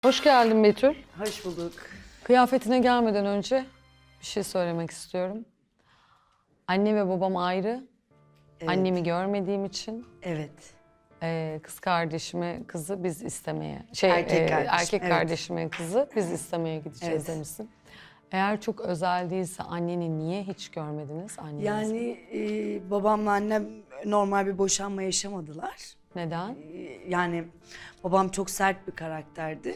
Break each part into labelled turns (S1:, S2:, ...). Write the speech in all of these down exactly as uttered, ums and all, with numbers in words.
S1: Hoş geldin Betül.
S2: Hoş bulduk.
S1: Kıyafetine gelmeden önce bir şey söylemek istiyorum. Anne ve babam ayrı.
S2: Evet.
S1: Annemi görmediğim için
S2: Evet.
S1: e, kız kardeşime kızı biz istemeye, şey
S2: Erkek
S1: e,
S2: kardeşim,
S1: erkek
S2: evet.
S1: kardeşime kızı biz istemeye gideceğiz
S2: Evet.
S1: demişsin. Eğer çok özel değilse anneni niye hiç görmediniz? Annenizi?
S2: Yani e, babamla annem normal bir boşanma yaşamadılar.
S1: Neden?
S2: E, yani babam çok sert bir karakterdi.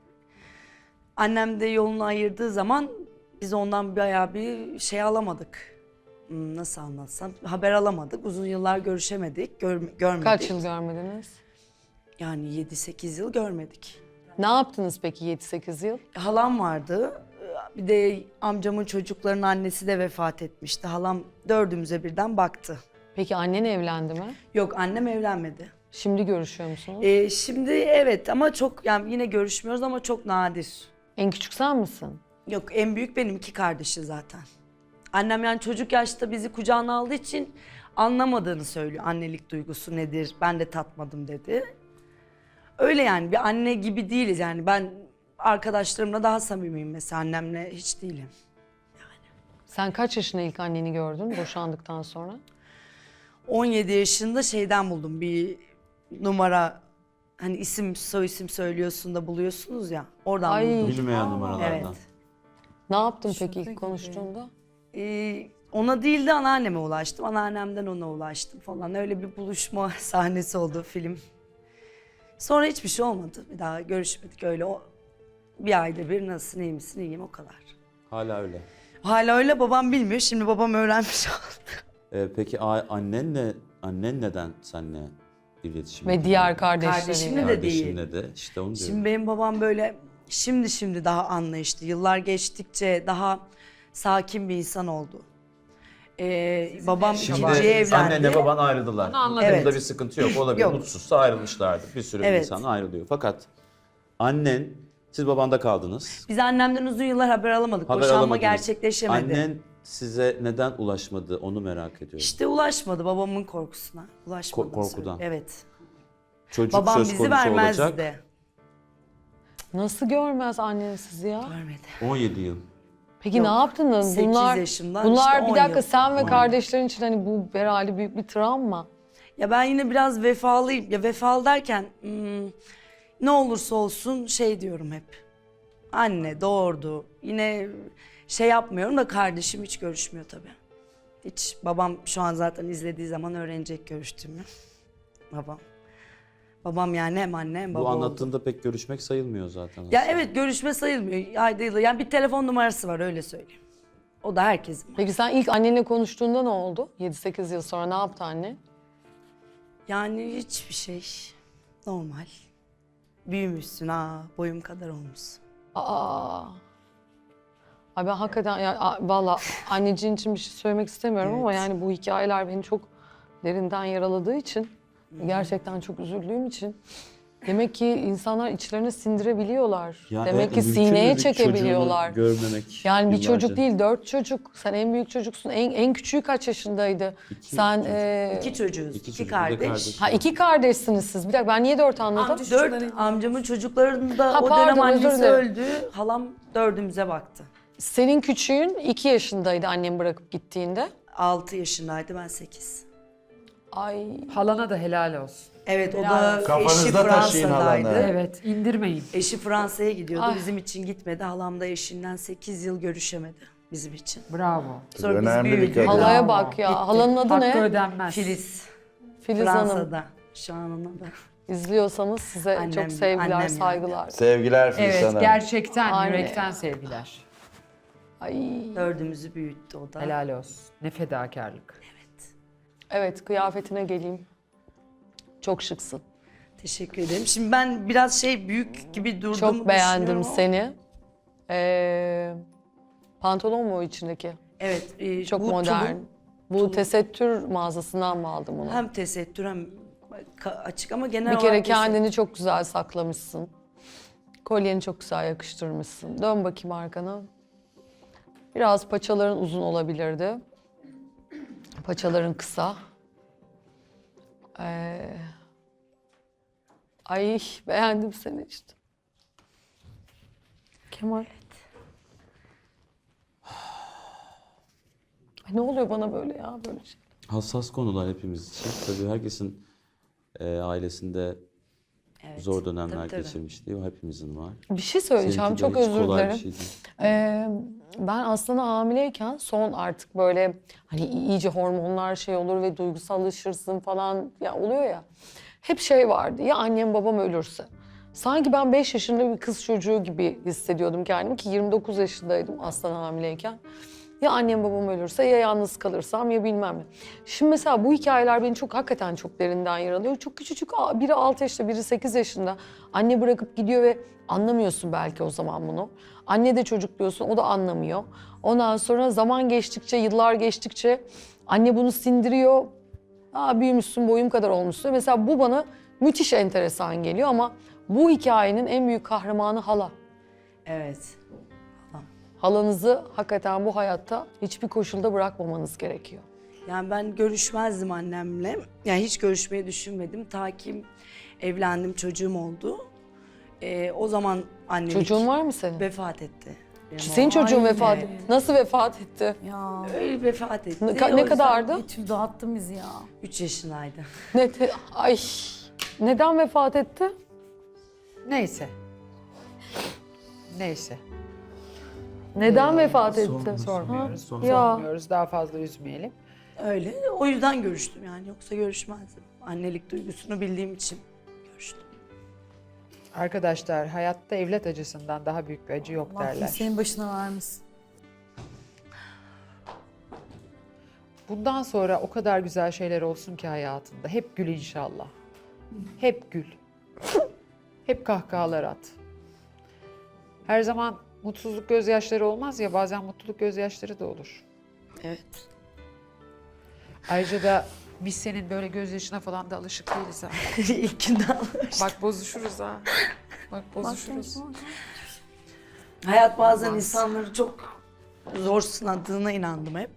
S2: Annem de yolunu ayırdığı zaman biz ondan bayağı bir şey alamadık. Hmm, Nasıl anlatsam? Haber alamadık. Uzun yıllar görüşemedik, gör, görmedik.
S1: Kaç yıl görmediniz?
S2: Yani yedi sekiz yıl görmedik.
S1: Ne yaptınız peki yedi sekiz yıl?
S2: Halam vardı. Bir de amcamın çocuklarının annesi de vefat etmişti. Halam dördümüze birden baktı.
S1: Peki annen evlendi mi?
S2: Yok, annem evlenmedi.
S1: Şimdi görüşüyor musunuz?
S2: Ee, şimdi evet ama çok, yani yine görüşmüyoruz ama çok nadir.
S1: En küçük sen misin?
S2: Yok, en büyük benim, iki kardeşi zaten. Annem yani çocuk yaşta bizi kucağına aldığı için anlamadığını söylüyor. Annelik duygusu nedir, ben de tatmadım dedi. Öyle yani, bir anne gibi değiliz yani. Ben arkadaşlarımla daha samimiyim mesela, annemle hiç değilim.
S1: Sen kaç yaşında ilk anneni gördün boşandıktan sonra?
S2: on yedi yaşında şeyden buldum bir numara, hani isim soy isim söylüyorsun da buluyorsunuz ya, oradan
S1: Ay.
S2: buldum.
S3: Bilmeyen numaralardan.
S2: Evet.
S1: Ne yaptın peki ilk konuştuğunda?
S2: Ee, ona değil de anneanneme ulaştım. Anneannemden ona ulaştım falan. Öyle bir buluşma sahnesi oldu film. Sonra hiçbir şey olmadı. Bir daha görüşmedik öyle. O, bir ayda bir nasılsın, iyi misin, iyiyim, o kadar.
S3: Hala öyle.
S2: Hala öyle, babam bilmiyor. Şimdi babam öğrenmiş oldu.
S3: Ee, peki a- annenle annen neden seninle iletişim?
S1: Ve diğer kardeşleriyle.
S2: Kardeşimle de değil.
S3: Kardeşinle de işte onu diyorum.
S2: Şimdi benim babam böyle şimdi şimdi daha anlayışlı. Yıllar geçtikçe daha sakin bir insan oldu. Ee, babam
S3: Şimdi
S2: ikinciye evlendi.
S3: annenle baban ayrıldılar.
S4: Onu anladım.
S2: Evet.
S3: Bunda bir sıkıntı yok. Olabilir.
S2: Yok.
S3: Mutsuzsa ayrılmışlardı. Bir sürü
S2: Evet.
S3: insan ayrılıyor. Fakat annen, siz babanda kaldınız.
S2: Biz annemden uzun yıllar haber alamadık.
S3: Haber
S2: Boşanma
S3: alamadınız.
S2: gerçekleşemedi.
S3: Annen size neden ulaşmadı onu merak ediyorum.
S2: İşte ulaşmadı babamın korkusuna. Ulaşmadı.
S3: Ko- korkudan.
S2: Evet.
S3: Çocuk
S2: Babam
S3: söz
S2: bizi
S3: konusu
S2: vermezdi.
S3: olacak.
S1: Nasıl görmez annen sizi ya?
S2: Görmedi.
S3: on yedi yıl.
S1: Peki
S2: Yok,
S1: ne yaptınız?
S2: sekiz
S1: Bunlar,
S2: yaşımdan
S1: bunlar
S2: işte
S1: bir
S2: on
S1: dakika
S2: yıl.
S1: sen ve
S3: on
S1: kardeşlerin için hani bu herhalde büyük bir travma.
S2: Ya ben yine biraz vefalıyım. Ya vefalı derken hmm, ne olursa olsun şey diyorum hep. Anne doğurdu. Yine şey yapmıyorum da kardeşim hiç görüşmüyor tabii. Hiç. Babam şu an zaten izlediği zaman öğrenecek görüştüğümü. Babam. Babam yani hem anne hem baba
S3: Bu
S2: oldu.
S3: anlattığında pek görüşmek sayılmıyor zaten.
S2: Ya
S3: aslında.
S2: evet, görüşme sayılmıyor. Ayda yılda. Yani bir telefon numarası var, öyle söyleyeyim. O da herkesin.
S1: Peki sen ilk annenle konuştuğunda ne oldu? yedi sekiz yıl sonra ne yaptı anne?
S2: Yani hiçbir şey. Normal. Büyümüşsün ha, boyum kadar olmuşsun.
S1: Aa. Ay ben hakikaten yani a- valla anneciğin için bir şey söylemek istemiyorum ama
S2: Evet.
S1: yani bu hikayeler beni çok derinden yaraladığı için gerçekten çok üzüldüğüm için demek ki insanlar içlerine sindirebiliyorlar.
S3: Ya
S1: demek
S3: evet,
S1: ki
S3: mümkün
S1: sineye
S3: bir
S1: çekebiliyorlar.
S3: çocuğunu görmemek
S1: Yani bir
S3: yıllarca.
S1: çocuk değil, dört çocuk. Sen en büyük çocuksun. En, en küçüğü kaç yaşındaydı?
S3: İki
S1: Sen
S3: çocuk.
S1: e,
S2: İki çocuğuz,
S3: İki
S2: iki,
S3: çocuk, bir de
S2: kardeş.
S3: kardeş.
S1: ha iki kardeşsiniz siz. Bir dakika ben niye dört anladım?
S2: Dört amcamın çocuklarının da
S1: Ha,
S2: o
S1: pardon,
S2: dönem
S1: özür
S2: annesi
S1: dilerim.
S2: öldü. Halam dördümüze baktı.
S1: Senin küçüğün iki yaşındaydı annem bırakıp gittiğinde.
S2: Altı yaşındaydı, ben sekiz.
S1: Ay
S4: Halana da helal olsun.
S2: Evet, o
S1: Helal
S2: da eşi
S5: Kafanızda taşıyın
S2: Fransa'daydı.
S5: halanı.
S4: Evet, indirmeyin.
S2: Eşi Fransa'ya gidiyordu,
S1: Ay.
S2: bizim için gitmedi. Halam da eşinden sekiz yıl görüşemedi bizim için.
S4: Bravo.
S2: Sonra biz
S5: Önemli bir
S2: büyüdük.
S5: kadın.
S1: halaya
S4: Bravo.
S1: bak ya.
S2: Gitti.
S1: Halanın adı
S4: Hakkı
S1: ne?
S4: ödenmez.
S2: Filiz,
S1: Filiz Hanım.
S2: Fransa'da. Şu an ona da.
S1: İzliyorsanız size
S2: Annem-
S1: çok sevgiler,
S2: annem yani.
S1: saygılar.
S5: Sevgiler Filiz
S4: Evet,
S5: Hanım.
S4: gerçekten
S1: Anne.
S4: yürekten sevgiler.
S1: Ay.
S2: Dördümüzü büyüttü o da.
S4: Helal olsun. Ne fedakarlık.
S1: Evet, kıyafetine geleyim. Çok şıksın.
S2: Teşekkür ederim. Şimdi ben biraz şey büyük gibi durduğumu
S1: Çok beğendim
S2: düşünüyorum ama-
S1: seni. Ee, pantolon mu o içindeki?
S2: Evet. e,
S1: Çok
S2: bu
S1: modern.
S2: tulum
S1: Bu tesettür mağazasından mı aldın bunu?
S2: hem tesettür hem ka- açık ama genel
S1: Bir kere
S2: olarak
S1: kendini çok güzel saklamışsın. Kolyeni çok güzel yakıştırmışsın. Dön bakayım arkana. Biraz paçaların uzun olabilirdi. Paçaların kısa. Ee, ay beğendim seni işte. Kemal? Ay ne oluyor bana böyle ya böyle şey?
S3: Hassas konular hepimiz için. Tabii herkesin e, ailesinde
S2: Evet.
S3: zor dönemler
S2: Tabii, tabii.
S3: geçirmişliği o hepimizin var.
S1: Bir şey söyleyeceğim.
S3: Seninki de
S1: Çok
S3: hiç
S1: özür
S3: kolay bir
S1: dilerim.
S3: şey değil.
S1: Ee, ben aslında hamileyken son artık böyle hani iyice hormonlar şey olur ve duygusallaşırsın falan ya oluyor ya. Hep şey vardı ya annem babam ölürse. Sanki ben beş yaşında bir kız çocuğu gibi hissediyordum kendimi ki yirmi dokuz yaşındaydım aslan hamileyken. Ya annem babam ölürse ya yalnız kalırsam ya bilmem ne. Şimdi mesela bu hikayeler beni çok hakikaten çok derinden yaralıyor. Çok küçücük biri altı yaşında biri sekiz yaşında anne bırakıp gidiyor ve anlamıyorsun belki o zaman bunu. Anne de çocuk diyorsun o da anlamıyor. Ondan sonra zaman geçtikçe yıllar geçtikçe anne bunu sindiriyor. Aa, büyümüşsün boyum kadar olmuşsun. Mesela bu bana müthiş enteresan geliyor ama bu hikayenin en büyük kahramanı hala.
S2: Evet.
S1: Halanızı hakikaten bu hayatta hiçbir koşulda bırakmamanız gerekiyor.
S2: Yani ben görüşmezdim annemle. Yani hiç görüşmeyi düşünmedim. Ta ki evlendim, çocuğum oldu. Ee, o zaman annelik
S1: Çocuğun var mı senin?
S2: vefat etti. Benim
S1: Senin
S2: oğlum.
S1: çocuğun
S2: Ay,
S1: vefat
S2: evet.
S1: etti. Nasıl vefat etti?
S5: Ya
S2: Öyle vefat etti.
S1: Ne,
S2: O
S1: ka- ne
S2: yüzden
S1: kadardı?
S5: Betül dağıttın bizi ya.
S2: Üç yaşındaydı.
S1: Ne te- Ay. Neden vefat etti?
S4: Neyse. Neyse.
S1: Neden vefat etti?
S3: Sorma,
S4: Sormuyoruz.
S3: Sonra-
S1: Ya.
S4: Sormuyoruz. Daha fazla üzmeyelim.
S2: Öyle. O yüzden görüştüm yani. Yoksa görüşmezdim. Annelik duygusunu bildiğim için görüştüm.
S4: Arkadaşlar hayatta evlat acısından daha büyük bir acı yok
S5: Allah
S4: derler.
S5: senin başına vermesin.
S4: Bundan sonra o kadar güzel şeyler olsun ki hayatında. Hep gül inşallah. Hep gül. Hep kahkahalar at. Her zaman mutsuzluk gözyaşları olmaz ya, bazen mutluluk gözyaşları da olur.
S2: Evet.
S4: Ayrıca da biz senin böyle gözyaşına falan da alışık değiliz ha.
S2: İlk günden.
S4: Bak bozuşuruz ha. Bak bozuşuruz.
S2: Hayat bazen insanları çok zor sınadığına inandım hep.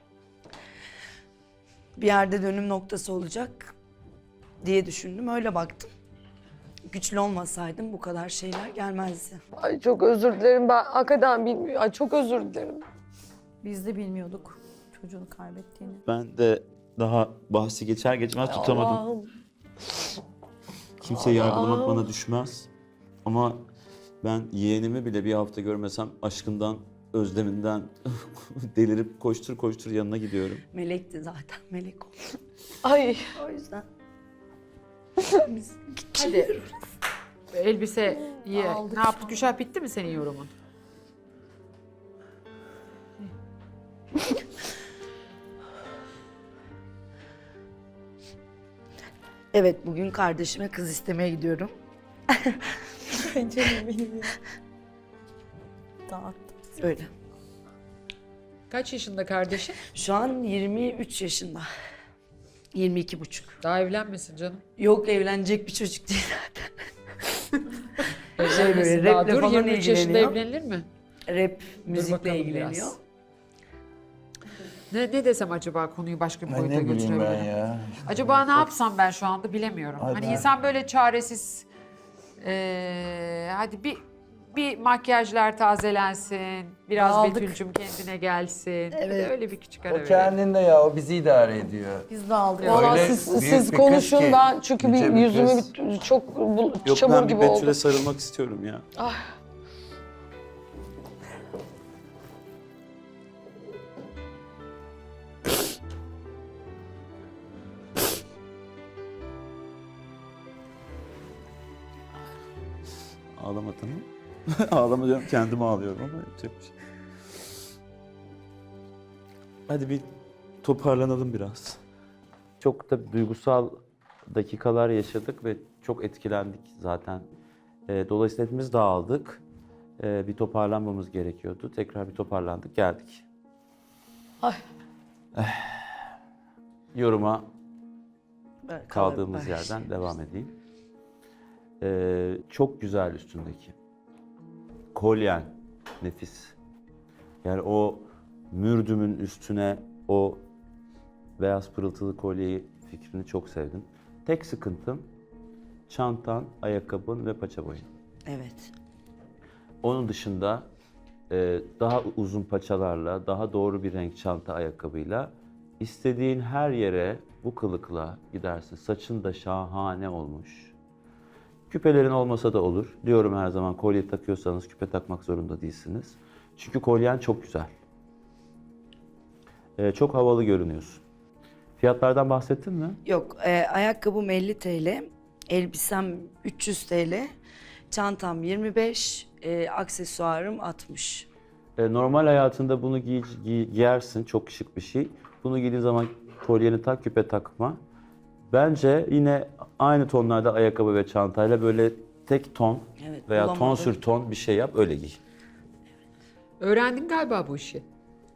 S2: Bir yerde dönüm noktası olacak diye düşündüm. Öyle baktım. Güçlü olmasaydım bu kadar şeyler gelmezdi.
S1: Ay çok özür dilerim ben hakikaten bilmiyorum. Ay çok özür dilerim.
S5: Biz de bilmiyorduk çocuğunu kaybettiğini.
S3: Ben de daha bahsi geçer geçmez tutamadım.
S1: Allah'ım.
S3: Kimseyi yargılamak
S1: Allah'ım.
S3: bana düşmez. Ama ben yeğenimi bile bir hafta görmesem aşkından, özleminden delirip koştur koştur yanına gidiyorum.
S2: Melekti zaten. Melek oldu.
S1: Ay.
S2: O yüzden. Biz
S4: Hadi. Elbise ye.
S5: Aldık
S4: Ne yaptık? Gülşah, bitti mi senin yorumun?
S2: Evet, bugün kardeşime kız istemeye gidiyorum.
S5: Canım benim ya. Dağıttım.
S2: Öyle.
S4: Kaç yaşında kardeşin?
S2: Şu an yirmi üç yaşında. yirmi iki buçuk.
S4: Daha evlenmesin canım.
S2: Yok, evlenecek bir çocuk değil zaten.
S4: Evlenmesin
S2: böyle
S4: daha.
S2: raple
S4: Dur,
S2: falan
S4: yirmi üç yaşında
S2: ilgileniyor.
S4: evlenilir mi?
S2: Rap,
S4: Dur
S2: müzikle
S4: bakalım
S2: ilgileniyor.
S4: biraz. Ne, ne desem acaba konuyu başka bir
S6: Ay
S4: boyuta
S6: ne bileyim ben
S4: götürebilirim?
S6: ya.
S4: Acaba ne yapsam ben şu anda bilemiyorum.
S6: Ay
S4: hani
S6: ben-
S4: insan böyle çaresiz, eee, hadi bir bir makyajlar tazelensin, biraz
S5: Aldık.
S4: Betül'cüm kendine gelsin.
S2: Evet.
S4: Öyle bir küçük ara
S6: O
S4: verelim.
S6: kendinde ya, o bizi idare ediyor.
S5: Biz de aldık.
S1: Valla
S6: Öyle
S1: siz,
S6: büyük
S1: siz
S6: bir
S1: konuşun
S6: kız ki,
S1: ben çünkü bir
S6: yüce bir
S1: yüzüme
S6: kız.
S1: bir, çok bu,
S3: Yok
S1: çamur
S3: ben bir
S1: gibi
S3: Betül'e
S1: oldu.
S3: sarılmak istiyorum ya. Ağlama tamam. Ağlama diyorum, kendime ağlıyorum ama yapacak bir şey. Hadi bir toparlanalım biraz. Çok da duygusal dakikalar yaşadık ve çok etkilendik zaten. Ee, dolayısıyla hepimiz dağıldık. Ee, bir toparlanmamız gerekiyordu. Tekrar bir toparlandık, geldik.
S1: Ay.
S3: Yoruma
S2: Evet,
S3: kaldığımız
S2: evet.
S3: yerden devam edeyim. Ee, çok güzel üstündeki. Kolyen nefis. Yani o mürdümün üstüne o beyaz pırıltılı kolyeyi fikrini çok sevdim. Tek sıkıntım çantan, ayakkabın ve paça boyun.
S2: Evet.
S3: Onun dışında e, daha uzun paçalarla, daha doğru bir renk çanta ayakkabıyla istediğin her yere bu kılıkla gidersin. Saçın da şahane olmuş. Küpelerin olmasa da olur. Diyorum her zaman, kolye takıyorsanız küpe takmak zorunda değilsiniz. Çünkü kolyen çok güzel. E, çok havalı görünüyorsun. Fiyatlardan bahsettin mi?
S2: Yok, e, ayakkabım elli TL, elbisem üç yüz TL, çantam yirmi beş, e, aksesuarım altmış.
S3: E, normal hayatında bunu giy, giy- giyersin, çok şık bir şey. Bunu giydiğin zaman kolyeni tak, küpe takma. Bence yine aynı tonlarda ayakkabı ve çantayla böyle tek ton
S2: Evet,
S3: veya ton
S2: bulamadım.
S3: sür ton bir şey yap, öyle giy.
S4: Öğrendin galiba bu işi.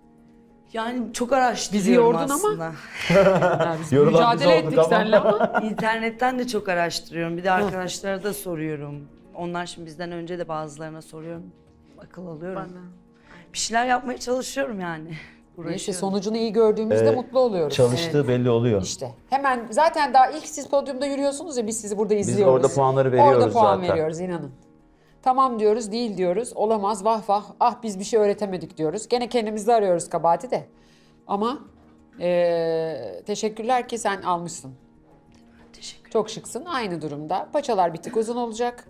S2: Yani çok araştırıyorum
S4: Bizi yordun ama.
S2: aslında.
S4: Yani biz
S3: Yorulan biz
S4: mücadele
S3: olduk
S4: ettik
S3: ama.
S4: seninle ama.
S2: İnternetten de çok araştırıyorum. Bir de arkadaşlara da soruyorum. Onlar şimdi bizden önce de bazılarına soruyorum. Akıl alıyorum. Bir şeyler yapmaya çalışıyorum yani.
S4: İşte
S2: Uğraşıyorum.
S4: sonucunu iyi gördüğümüzde mutlu oluyoruz.
S3: Çalıştığı belli oluyor.
S4: İşte hemen zaten daha ilk siz podyumda yürüyorsunuz ya biz sizi burada
S3: Biz
S4: izliyoruz.
S3: orada puanları veriyoruz
S4: Orada puan
S3: zaten.
S4: veriyoruz inanın. Tamam diyoruz, değil diyoruz. Olamaz, vah vah, ah biz bir şey öğretemedik diyoruz. Gene kendimizde arıyoruz kabahati de. Ama eee, teşekkürler ki sen almışsın.
S2: Teşekkür.
S4: Çok şıksın, aynı durumda. Paçalar bir tık uzun olacak.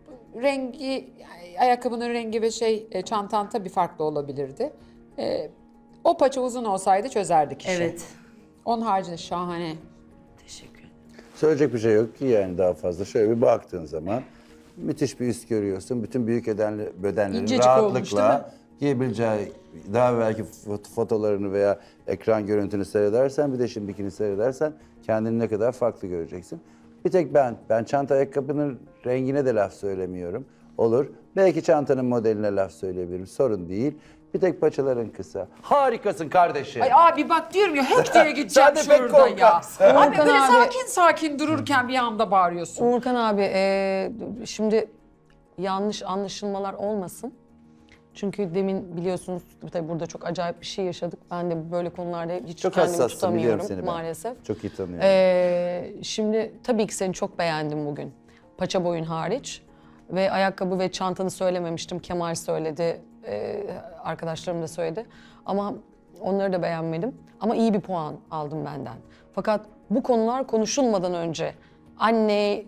S4: Rengi, ayakkabının rengi ve şey e, çantan tabii farklı olabilirdi. E, o paça uzun olsaydı çözerdik işi.
S2: Evet.
S4: Onun haricinde şahane.
S2: Teşekkür ederim.
S7: Söyleyecek bir şey yok ki yani daha fazla. Şöyle bir baktığın zaman müthiş bir üst görüyorsun. Bütün büyük bedenli, bedenlerin
S4: İncecik olmuş, değil mi?
S7: rahatlıkla giyebileceği, daha belki fot- fotolarını veya ekran görüntünü seyredersen, bir de şimdikini seyredersen kendini ne kadar farklı göreceksin. Bir tek ben, ben çanta ayakkabının rengine de laf söylemiyorum. Olur. Belki çantanın modeline laf söyleyebilirim. Sorun değil. Bir tek paçaların kısa. Harikasın kardeşim.
S4: Ay abi bak diyorum ya hek diye gideceğim
S7: Sen de pek
S4: şuradan ya.
S7: korkaksın.
S4: Abi
S1: Volkan
S4: böyle
S1: abi-
S4: sakin sakin dururken bir anda bağırıyorsun.
S1: Uğurkan abi e, şimdi yanlış anlaşılmalar olmasın. Çünkü demin biliyorsunuz tabii burada çok acayip bir şey yaşadık. Ben de böyle konularda hiç
S7: Çok
S1: kendimi
S7: hassassın, biliyorum
S1: tutamıyorum
S7: seni ben.
S1: maalesef.
S7: Çok iyi tanıyorum.
S1: Ee, şimdi tabii ki seni çok beğendim bugün. Paça boyun hariç. Ve ayakkabı ve çantanı söylememiştim. Kemal söyledi, ee, arkadaşlarım da söyledi. Ama onları da beğenmedim. Ama iyi bir puan aldım benden. Fakat bu konular konuşulmadan önce anne,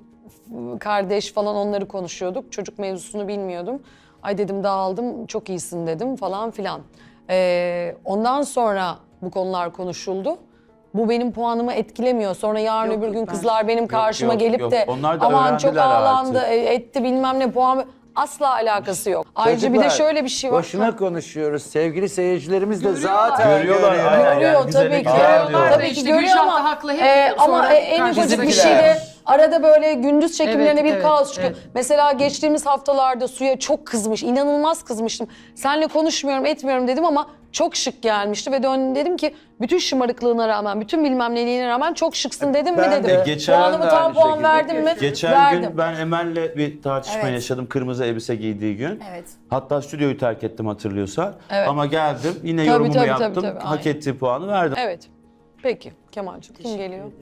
S1: kardeş falan onları konuşuyorduk. Çocuk mevzusunu bilmiyordum. Ay dedim dağıldım, çok iyisin dedim falan filan. Ee, ondan sonra bu konular konuşuldu. Bu benim puanımı etkilemiyor. Sonra yarın
S2: Yok,
S1: öbür
S2: yok,
S1: gün
S2: ben-
S1: kızlar benim karşıma
S3: yok,
S1: gelip
S3: yok.
S1: de
S3: Onlar da
S1: aman çok
S3: öğrendiler
S1: ağlandı,
S3: artık."
S1: e, etti bilmem ne puan... Asla alakası yok. Ayrıca bir de
S7: Çocuklar,
S1: şöyle bir şey var.
S7: Boşuna konuşuyoruz. Sevgili seyircilerimiz de zaten
S3: Görüyorlar,
S7: görüyor.
S3: aynen.
S1: Görüyor
S3: Yani bize ne
S1: tabii ki.
S3: güzel diyor.
S1: Tabii ki
S4: İşte
S1: görüyor
S4: Gülşah
S1: ama,
S4: da haklı, hep
S1: e, ama
S4: sonra
S1: e, en ufacık bir
S4: karşımıza
S1: şeyde
S4: çıkıyor.
S1: arada böyle gündüz çekimlerine
S4: Evet,
S1: bir
S4: evet,
S1: kaos çıkıyor.
S4: evet.
S1: Mesela geçtiğimiz haftalarda Suya çok kızmış, inanılmaz kızmıştım. Seninle konuşmuyorum, etmiyorum dedim ama çok şık gelmişti ve döndüm dedim ki bütün şımarıklığına rağmen, bütün bilmem neliğine rağmen çok şıksın dedim mi
S7: Ben
S1: dedim.
S7: de-
S3: Geçen
S1: Puanımı
S7: de
S1: tam
S7: aynı
S1: puan
S7: şekilde.
S1: verdim mi?
S3: Geçen
S1: Verdim.
S3: gün ben Emel'le bir tartışma
S5: Evet.
S3: yaşadım, kırmızı elbise giydiği gün.
S5: Evet.
S3: Hatta stüdyoyu terk ettim hatırlıyorsan.
S1: Evet.
S3: Ama geldim, yine
S1: Tabii,
S3: yorumumu
S1: tabii, tabii,
S3: yaptım,
S1: tabii,
S3: hak
S1: aynen.
S3: ettiği puanı verdim.
S1: Evet. Peki Kemal'cığım kim geliyor?